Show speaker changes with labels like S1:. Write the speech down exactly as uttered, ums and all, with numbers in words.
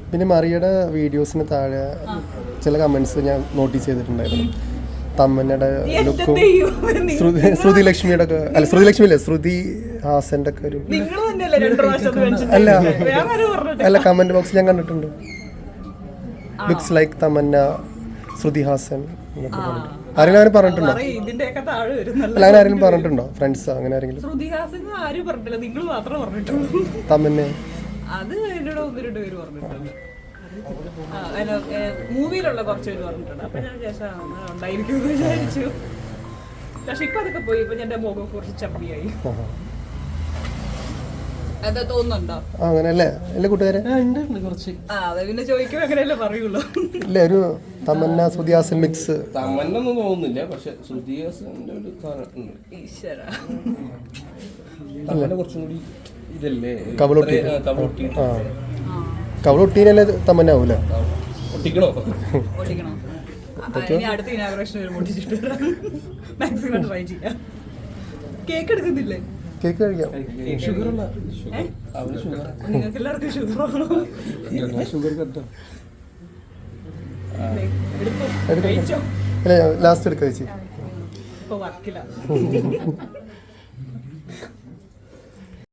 S1: പിന്നെ മറിയുടെ വീഡിയോസിന് താഴെ ചില കമൻസ് ഞാൻ നോട്ടീസ് ചെയ്തിട്ടുണ്ടായിരുന്നു. തമ്മനയുടെ ലുക്കും ശ്രുതി ശ്രുതി ലക്ഷ്മിയുടെ ഒക്കെ അല്ല ശ്രുതി ലക്ഷ്മി അല്ലേ ശ്രുതി ഹാസൻ്റെ ഒക്കെ ഒരു അല്ല അല്ല കമൻറ്റ് ബോക്സ് ഞാൻ കണ്ടിട്ടുണ്ട്. ലുക്സ് ലൈക്ക് തമന്ന ശ്രുതി ഹാസൻ എന്നൊക്കെ പറഞ്ഞിട്ട് ആരെങ്കിലും അങ്ങനെ പറഞ്ഞിട്ടുണ്ടോ? അല്ല അങ്ങനെ ആരെങ്കിലും പറഞ്ഞിട്ടുണ്ടോ? ഫ്രണ്ട്സ് അങ്ങനെ ആരെങ്കിലും? തമന്നെ
S2: അത് എന്നോട് ഒന്ന് രണ്ട് പേര് പറഞ്ഞിട്ടുണ്ട്. മൂവിയിലുള്ള കുറച്ച് പേര് പറഞ്ഞിട്ടുണ്ട്. അപ്പൊ ഞാൻ വിചാരിച്ചു ഉണ്ടായിരിക്കും വിചാരിച്ചു. പക്ഷെ ഇപ്പൊ അതൊക്കെ പോയി. ഇപ്പൊ എന്റെ മുഖം കുറച്ച് ചപ്പിയായി. എന്താ തോന്നുന്നുണ്ടോ?
S1: അങ്ങനെയല്ലേ എല്ലാ കൂട്ടുകാരെ
S3: കുറച്ച്
S2: പിന്നെ ചോദിക്കുമ്പോ അങ്ങനെയല്ലേ പറയുള്ളൂ.
S1: ഇല്ല ഒരു തമന്ന ശ്രുതി ഹാസൻ മിക്സ്
S3: തമന്നൊന്നും തോന്നുന്നില്ല. പക്ഷെ ശ്രുതി ഹാസന്റെ ഒരു
S2: ഈശ്വര
S3: തമന്ന കുറച്ചും കൂടി ഇതല്ലേ
S1: കവളൊട്ടി
S3: കവളൊട്ടി
S1: ആ കവളൊട്ടീനല്ലേ തമന്ന ആവൂല.
S3: ഒട്ടിക്കണോ
S2: ഓടിക്കണോ? അടുത്ത ഇനാഗ്രേഷൻ വരുമ്പോൾ മാക്സിമം ട്രൈ ചെയ്യാം. കേക്ക് എടുക്കുന്നില്ലേ?
S1: കേക്ക് കഴിക്കാം.
S3: ഷുഗറുള്ള
S2: നിങ്ങൾക്ക് എല്ലാവർക്കും ഷുഗറാണോ?
S3: ഷുഗർ കട്ടോ
S1: ലാസ്റ്റ് എടുക്കാം ചേച്ചി.
S2: ഇപ്പൊ വർക്കില്ല.